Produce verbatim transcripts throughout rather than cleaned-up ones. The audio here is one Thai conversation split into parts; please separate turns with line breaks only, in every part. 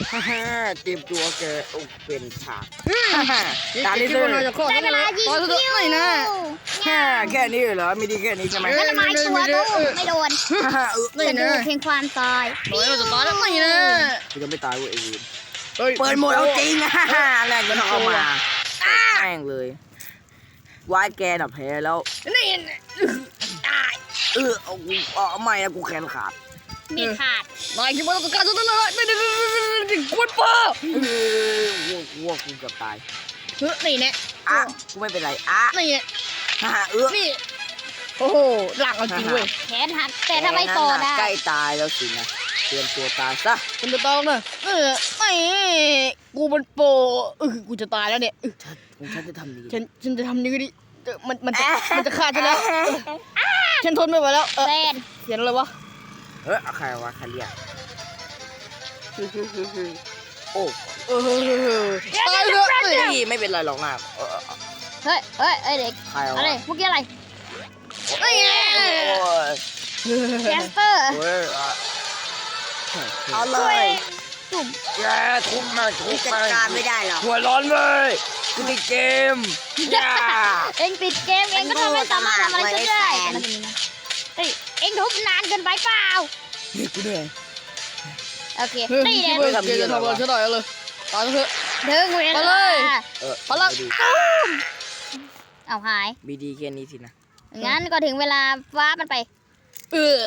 ฮ่าฮ่าเตรียมตัวแกอุกเป็นฉาก
ตาลิเซอร์ได้เวลายิงคิวหน่อยนะ
แค่แค่นี้เหรอไม่ดีแค่นี้ใช่ไหม
มันละไม้ตัวตู้ไม่โดน
ฮ่าฮ่าเออ
จะดูเพียงความตาย
โอ้ยเราจะตายแล้วไงนะ
กูจะไม่ตายเว้ยไอ้วีน
เฮ้ย
เปิดโหมดเอาจริงฮ่าฮ่าแรกมันเอามาแม่งเลยวายแกน่ะแพ้แล้ว
นี่
เออเอากูเอาไม่นะกูแขนขาด
มีขาด
นายคิดว่าเราต้องการจะต้องเลยไม่ได้กวนป้า
เออวัววัวกูเกือบตาย
นี่เนี่ย
อ่ะกูไม่เป็นไรอ่ะ
นี่
ฮ่าฮ่าเออ
นี่โอ้โหหลังเอาจริงเว้ย
แขนหักแต่ทำไมต่อได้
ใกล้ตายแล้วสินะเตรียมตัวตายซะ
คุณจะต้องนะเออไม่กูมันโปเออกูจะตายแล้วเนี่ย
ฉันจะทำดี
ฉันฉันจะทำยังไงดีมันมันจะมันจะฆ่าฉันแล้วฉันทนไม่ไหวแล้วเออ
แฟน
เสียงอะไรวะ
เฮ้ยใครวะใครเรียกโอ้
เออตายเลย
พี่ไม่เป็นไรหรอกนะเออ
เฮ้ยเฮ้ยเอ้ยเด็ก
ใครวะ
อะไรเมื่อกี้อะไร
โอ้ย
แคสเตอร์
โอ้ยเอาเล
ช่วย
ย
จุ่ม
แกทุบมาทุบ
จัด
มา
การไม่ได้หรอก
หัวร้อนเลยกูติดเกมย่า
เองติดเกมเองก็ทำไม่สามารถทำอะไรฉันได้เฮ้ยเองทุบนานเกินไปเปล่า
นี่กูเหนื่อย
โอเค
เฮ้ย
นี่
คิด
เนี่ย
ว่าแกจะทำอะไรฉันได้เลยตายเถอะ
ดึงเว
ไป
ลา
เลย
เออ
พลัง
เอาหาย
บีดีแค่นี้สินะ
งั้นก็ถึงเวลาฟ้ามันไป
เออ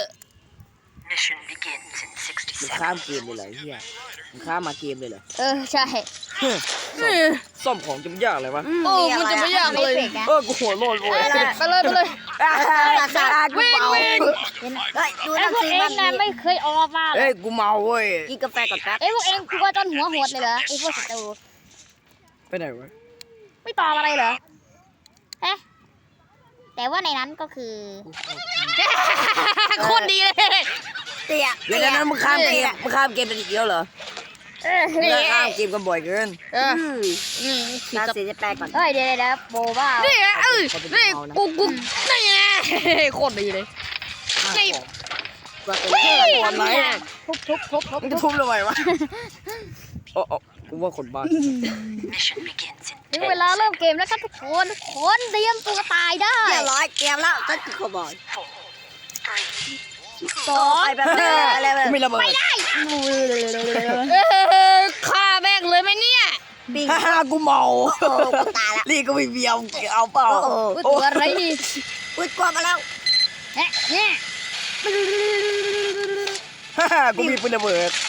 มึงข้ามเกมเลยเหรอเฮียมึงข้ามมาเกมเลยเหรอ
เออใช่
ซ่อมของจะไม่ยากเลยวะ
โอ้มันจะไม่ยากเลย
ไม่เฟกนะ
เออกูหัวโลนโว้ย
ไปเลยไปเลย
วิ่งวิ่ง
เฮ้ยดู
ไอ้
นั่น
พวก
สิ
เอง
มัน
น่ะ
มี
ไม่เคยออกมาเหร
เอ้
อย
กูเมาเว้ย
กินกาแฟก่อนแป๊บ
ไอ้พวกเองกลัวจนหัวโหดเลยเหรอไอ้พวกศัตรู
ไปไหนวะ
ไม่ตอบอะไรเหรอเอ๊ะแต่ว่าในนั้นก็คือ
โคตรดีเลย
เตี้ย
เดี๋ยวนั้นมึงข้ามเกมมึงข้ามเกมไปอีกเดียวเหรอ
เออ
มึงข้ามเกมกันบ่อยเกิน
เออ
อืมน้ำสีจะแปลก่อน
เฮ้ยเดี๋ยวเดี๋ยวโบบ้า
นี่ไงเออนี่กูกูนี่ไงโคตรดีเลย
นี่
ตัวเป็น
เฮ้ยทำไม
ทุบทุบทุบทุบ
มึงจะทุบทำไมวะโอ้โอ้กูว่าคนบ้า
ถึงเวลาเริ่มเกมแล้วครับทุกคนทุกคนเตรียมตัวตายได้
เรียบร้อยเตรียมแล้วก็คือขบอย
สอง
ไปแบบนี้อะไรแบบ
กูไม่ระเบิด
เออฆ่าแม่งเลยไหมเนี่ย
ปิ้ง
ฮ่าฮ่ากูเมา
โอ้กูตายละ
นี่ก็ไม่เบียวเอาเปล่า
โอ้โห
อุ๊ยตัวอะไรนี่
อุ้ยกลัวมาแล้ว
เอ๊ะเนี่ย
ฮ่าฮ่ากูมีปืนระเบิด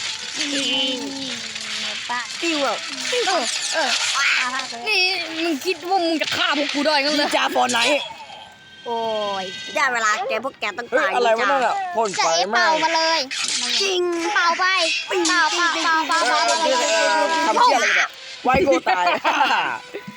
ป้า
ปิ้วอ่ะ
เออเออ นี่มึงคิดว่ามึงจะฆ่าพวกกูได้งั้น
นิ
เล
น
ย
จาฟอร์ไนท์
โอ้ย
ได้เวลาแกพวกแกต้อง
เฮ้ย
ตาย
อะไรวะนั่นอ่ะพ่น
จะ
ไฟ
เอ๊ะ
ไหม้
เป่ามาเลย
จริง
เป่าไปเป่าเป่าเป่าเป่า
เอ
เป่า
อ
เป่า
เออเออทำเชี่ยอะไรกันเนี่ยไวโก้ตายฮ่าฮ่า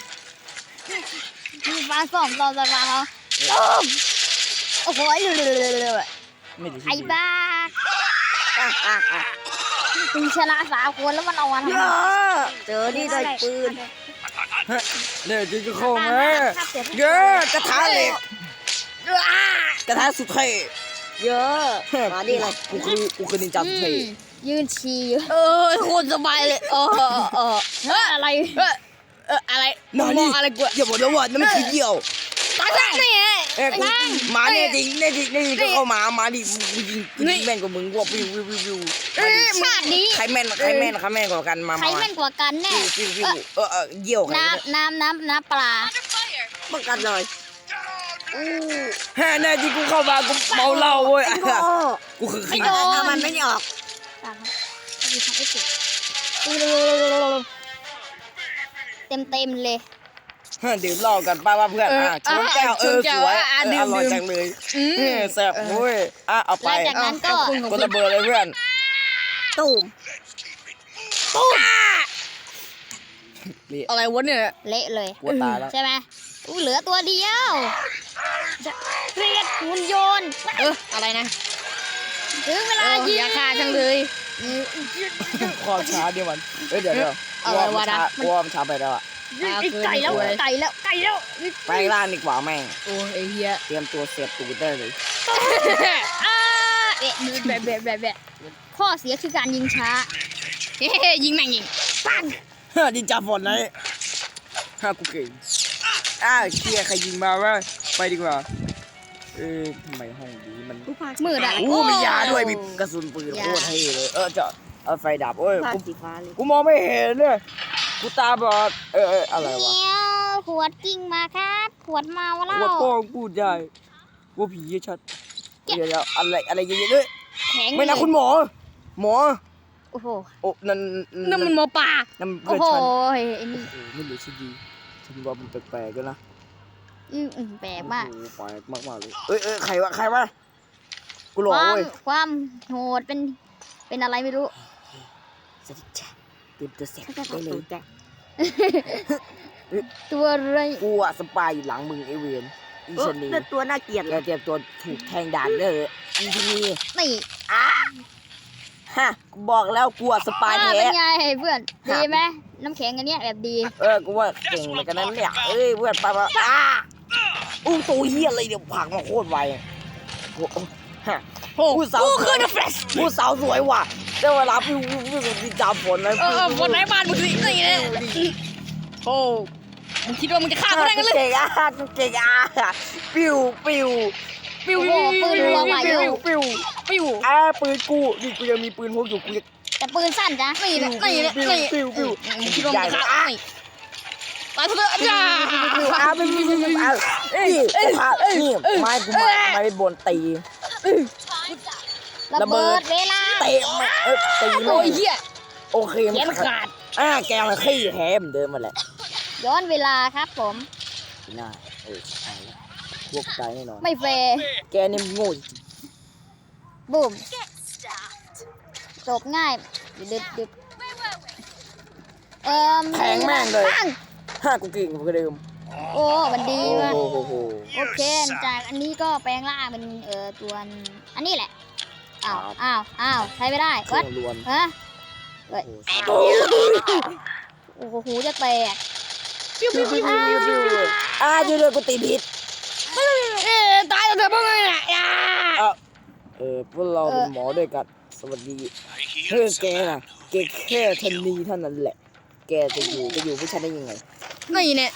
มีฟ้าส่องต่อจากฟ้าเขาโอ้โห
ไม่ได้
ไอ้บ้า
อ่ะอ่ะอ่ะ
มึงชนะสามคนแล้วมันเอาวัน
เยอะเจอนี่ได้ปืน
เนี่ยจริงก็เข้ามาเยอะกระทะเหล็กกระทะสุดเท่
เยอะมาดิเลย
กูคือกูคือนินจาสุดเท่
ยืนฉี่
เออโคตรสบายเลยเออเออเออ
เฮ้ยอะไร
เออเอออะไร
น
มึ
อง น
มอ
นี่
งอะไรกู
อย่าบอกนะว่านั่นมันคือเดี่ยว
ตายซะนี่ไง
เอ้ยกูหมาเนี่ยจริงเนี่ยจริงเนี่ยจริงก็เข้ามามาดิกูยิงกูยิงแม่นกว่ามึงว่าวิววิววิววิว
ชาตินี้
ใครแม่นใครแม่นใครแม่นกว่ากันมา
ใคร
มา
แม่นกว่ากันแน่
วิววิววิวเออเออเยี่ยวใคร
น้ำน้ำน้ำน้ำปลา
ป้องกันหน่อยอู้
แฮ่แน่จริงกูเข้ามากูเมาเหล้าเว้ย
โอ้
กูคือ
ไม่
ขี้
โดน
ถ้ามันไม่ออก
เต็มเต็มเลย
ดื่มเหล้ากันป้าว่าเพื่อนอ่ะชนแก้วเออสวยอร่อยจังเลย
อืม
แซ่บเว้ยอ่ะเอา
ห
ไป
ลังจากนั้นก็
คนระเบิดเลยเพื่อน
ตูม
อะไรวะเนี่ย
เละเลย
กลัวตายแล้ว
ใช่ไหมอู้เหลือตัวเดียวเรียกหุ่นยนต์
เอออะไรนะ
ถึงเว
เอ
ลา
อ
ยิง
อย่าฆ่าจังเลย
ความช้าเดียวมันเอ้ยเดี๋ยวเดี๋ยว
อะไรวะนะ
กลัวมันช้าไปแล้วอ่ะ
ไก่แล้วไก่แล้วไก่แล้ว
ไปล่างดีกว่าแม่ง
โอ้ไอ้เหี้ย
เตรียมตัวเสียบตูดได้เลย
อ่าเอ๊ะแบบแบบแบบแบบข้อเสียคือการยิงช้า
เฮ้ยิงแม่งยิงปัง
ดินจาฝนไหนฮ่ากูเก่งอ้าวเชียร์ใครยิงมาวะไปดีกว่าเออทำไมห้องนี้มัน
มืดอ่ะ
โอ้มียาด้วยมีกระสุนปืนโคตรเท่เลยเออจะเอาไฟดับโอ้ย
ผ้า
กู
สีฟ้าเลย
กูมองไม่เห็นเลยกูตาบอดเออเอออะไรวะ
เดี๋ยวขวดกิ่งมาครับขวดเมาเหล้า
ว่าโป้งพูดได้ว่าผีชัดเดี๋ยวเดี๋ยวอะไรอะไรเยอะๆด้วย
แข็ง
ไม่นะคุณหมอ หมอ
โอ้โห
โอ้นั่น
นั่นมันหมอป่า
นั่น
โอ้
เพื่อน
โห
ฉัน
ไอ้นี่
โอ้โหไม่รู้สิดีฉันว่ามันแปลกๆกันนะ
อืมอืมแปลกมาก
โอ้โหแปลกมากๆเลยเอ้ยเอ้ยใครวะใครวะกูหล
ค
อก
วาม
เว้ย
ความโหดเป็นเป็นอะไรไม่รู้
สวัสดีจ้ะเตรียมตัวเสร็จได้เลย
แจ๊
ตัวอะไร
กูอะสปายอยู่หลังมึงไอเวนอี
เออ
ชนี
แต่ตัวน่าเกลียด
แก
เลย
เตรียมตัวถูกแทงดาบเด้ออีชนี
นี่
ฮะกูบอกแล้วกูอะสปาย
อ่า
แท้
เป็นไงเพื่อนดีไหมน้ำแข็งอันเนี้ยแบบดี
เออกูว่าเก่งเหมือนกันนั้นเนี่ยเอ้ยเพื่อนไปมาอ้าอู้ตัวเฮียอะไรเดี๋ยวผลักมาโคตรไวโอ้โหฮะ
โอ้
ผู้สาว
กู
ส
คื
ว
อย เดอะเฟรช
ผู้สาวสวยว่ะได้เวลาพี่พี่พี่พี่จามฝนนะ
เออเออวันไหนบ้านมึงสินี่เนี่ยโอ้มึงคิดว่ามึงจะฆ่ากูได้กันเลย
เก่งอ่ะเก่งอ่ะปิ้วปิ้ว
ปิ้ว
โอ้โหปืนรัวไหวอ
ปิ้
ยู่
วปิ้ว
ปิ้ว
อ่าปืนกูนี่กูยังมีปืนพกอยู่กูจะ
แต่ปืนสั้นจ้ะ
นี่
ปิ้
เนี่
วย
นี่
ปิ้ว
นี่
ปิ้วปิ้ว
มึงคิดว่ามึงจะฆ่ากูนี่ตายเถอะจ้า
ปิ้วอ่าปิ้วปิ้วปิ้วอ่านี่นี่ไม้กูไม้ไม้บนตี
ระเบิดเวลา
เตะมาเออตี
โอ้
เลย
ยเหี้ย
โอเค
แขนขาด
อ่าแกมันขี้แหมเดิมมาแหละ
ย้อนเวลาครับผม
น่าเออใช่แล้วพวกตายแน่นอน
ไม่แฟร์
แกนี่มันโง่จริง
บูมจบง่ายดึดดึดเอ่อ
แทงแม่งเลย
ปัง
ห้ากูเก่งกว่าเดิม
โอ้มันดี
โอ้
มาก
โหโหโห
โอเคจากอันนี้ก็แปลงร่างเป็นเอ่อตัวอันนี้แหละอ้าวอ้าวอ้าวใช้ไม่ได้
เครื่
วั
อ
ด
งล้วน
ฮะ
โอ้โห
โอ้โหหูจะแตก
ปิ้วปิ้วปิ้วปิ้วปิ้วอ่าเดี๋ยวๆกูตีผิด
เอ้ยตายแล้วเถอะพวกมึงน่ะอ่า
เออเออพวกเราเป็นหมอด้วยกันสวัสดีเฮ้ยแกน่ะแกแค่ทันนีเท่านั้นแหละ แกจะอยู่จะอยู่ผู้ชายได้ยังไง
นี่เนี่ย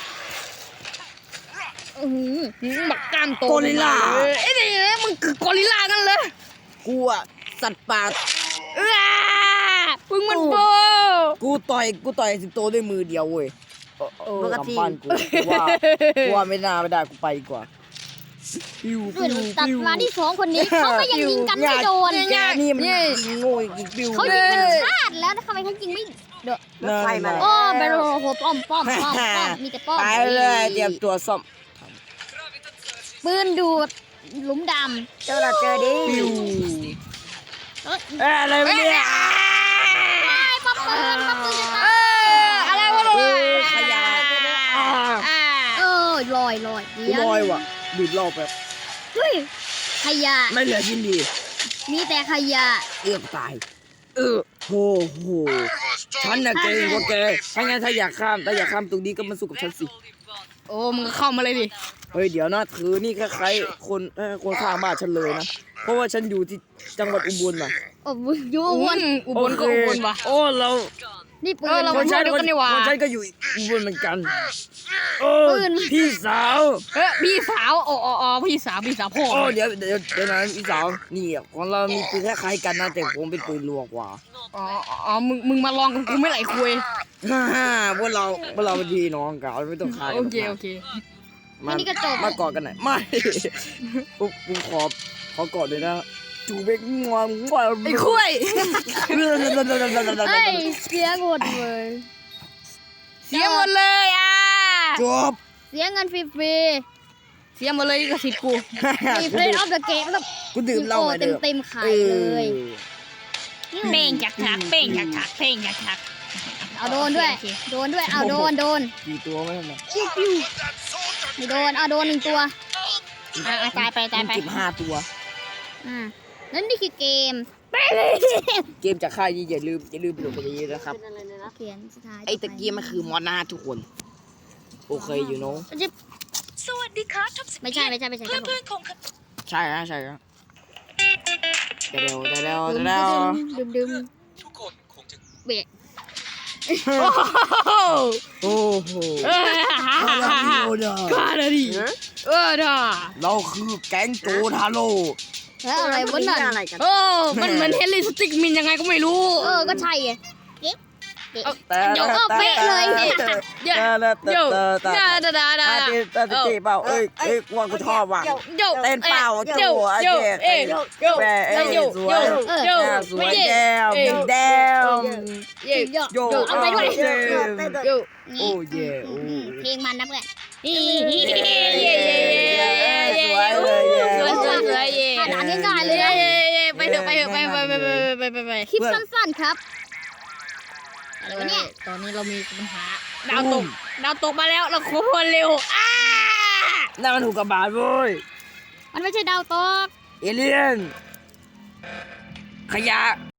อือหือบักกล้ามโต
กอริลลา
เออไอ้นี่นะมึงคือกอริลลากันเลย
กูอะสัตว์ป่า
อ้ามึงมันโบ
กูต่อยกูต่อยสิงโตด้วยมือเดียวเว้ยเออเออ
ปกติ
ทำบ้านกูกูว่ากูว่าไม่น่าไม่ได้กูไปดีกว่าปิ้ว
ส่วน
ปิ้ว
ตัด
ปิ้ว
มาที่สองคนนี้เขาก็ยังยิงกันไม่โดน
แกนี่มันยิงโง่ยิงปิ้ว
เขายิงกันพลาดแล้วทำไมเขายิงไม่โดน
รถไฟมาแล้ว
โอ้เบลโลโหป้อมป้อมป้อมป้อมมีแต่ป้อม
ไปเลยเตรียมตัวซ่อม
ปืนดูดหลุมด
เจอเราเจอดิ
ปิ้ว
ำเอ้ย
เอ้ยอะไรวะเนี่ย
ป้อมปืนป้อมปืนจะ
เอ
ตาย
ออะไรวะ
เอ
เนี่ย
อขยะอ่า
อ่า
เออลอยลอย
กูลอยว่ะดูดรอบแบบ
เฮ้ยขยะ
ไม่เหลือชิ้นดี
มีแต่ขยะ
เอื้อมตาย เออโหโหฉันน่ะเก่งกว่าแกถ้างั้นถ้าอยากข้ามถ้าอยากข้ามตรงนี้ก็มาสู้กับฉันสิ
โอ้มึงก็เข้ามาเลยดิ
เฮ้ยเดี๋ยวนะถือนี่คล้ายๆคนเอ้ยคนข้างบ้านฉันเลยนะ เพราะว่าฉันอยู่ที่จังหวัดอุบลน่ะ
โอ้ยยู
อุบ
วน
ลอุบลก็อุบลว่ะ
โอ้เรา
นี่ปื
เออน เรา
คนฉัน
เดียวกันนี่หว่า
คนฉันก็อยู่อุบลเหมือนกันโอ้
ปืน
พี่สาว
เฮ้ยพี่สาวอ๋ออ๋ออ๋อพี่สาวพี่สาวพ่อ
โอ้เดี๋ยวเดี๋ยวเดี๋ยวนะพี่สาวนี่อ่ะของเรามีปืนคล้ายๆกันนะแต่ผมเป็นปืนรัวกว่า
อ๋ออ๋อมึงมึงมาลองกับกูไม่ไหลคุย
ฮ่าฮ่าพวกเราพวกเราเป็นพี่น้องกันไม่ต้องฆ่ากัน
โอเคโอเค
มา
นี่ก็จบ
มากอดกันหน่อยไม่ปุ๊บกูขอขอกอดเลยนะจูเบกงวงงวง
ไอ้คุย
เฮ้ยเสียหมดเลย
เสียหมดเลยอ่ะ
จบ
เสียเงินฟรี
เสียหมดเลยกับสิทธิ์กู
ๆมีเพลย์ออฟเดอะเกมแล้ว
กูดื่มเหล้ามา
เต็
เดิ
ม
ม
เต็มๆขายเลย
เป้งจักจักเป้งจักจักเป้งจักจัก
เอาโดนด้วย โดนด้วย เอาโดน โดน
กี่ตัวไม่ทำไม
ไม่โดน เอาโดนหนึ่งตัว
อ่ะตายไปตายไป
จิบห้าตัว
อ่านั่นนี่คือเกม
เกมจากค่ายนี้อย่าลืมอย่าลืมไปโหลดกันเยอะๆนะครับ
เขียนสุดท้าย
ไอ้ตะเกียบมันคือมอนาทุกคน โอเคอยู่เนาะ
มันจะ
สวัสดีค่ะท็อปสิบ
ไม่ใช่ไม่ใช่ไม่ใช่ครับผม
เพื่อนๆของ
ใช่ฮะใช่ฮะเดี๋ยวเดี๋ยวเดี๋ยว
ดึม
เดี๋ยว
ดึมดึม
ทุกคนคงจะ
เบะ
โอ้โห
โอ้โห
เออข้าเลยดิเออด่า
เราคือแก๊งโจทาโร่
แล้วอะไรวะนั่น
อะไรกัน
โอ้มันเหมือนเฮลิสติกมินยังไงก็ไม่รู้
เออก็ใช่ไงเอ๊ะ
เอา
แต่
เดี๋ยว
เออเป๊ะเลย
เดี๋ยวเดี๋ยวเดี๋ยวด่าด่าด่า
อาจิตาจิเปล่าเอ้ยเอ้ยว่ากูชอบว่ะ
เดี๋ยว
เต้นเปล่า
เดี๋ยว
โจ้
เดี๋ยว
ไอ้
เอ้ย
เจ๊
เดี๋ยว
แม่เอ้ย
เดี๋ยว
สวย
เดี๋ยว
หน้าสวย
ไม่
แก้ม
เอ้ย
แดม
เย่
เยอะ
โย
เอาไปด้วย
เจม
เดี๋ยว
โอ้เย่โอ้
เพลงมันนะเพื่อน
เย่เย่เย่เย่เย่สวยสวยสวยเย่
ด่านง่ายๆเลย
เย่
นะ
เย่เย่ไปเถอะไปเถอะไปไปไปไปไปไปไป
คลิปสั้นๆครับอะไรวะเนี่ย
ตอนนี้เรามีปัญหาดาวตกดาวตกมาแล้วเราขอพรเร็วอ้า
นั่นมันถูกกระบาดเว้ย
มันไม่ใช่ดาวตก
เอเลี่ยนขยะ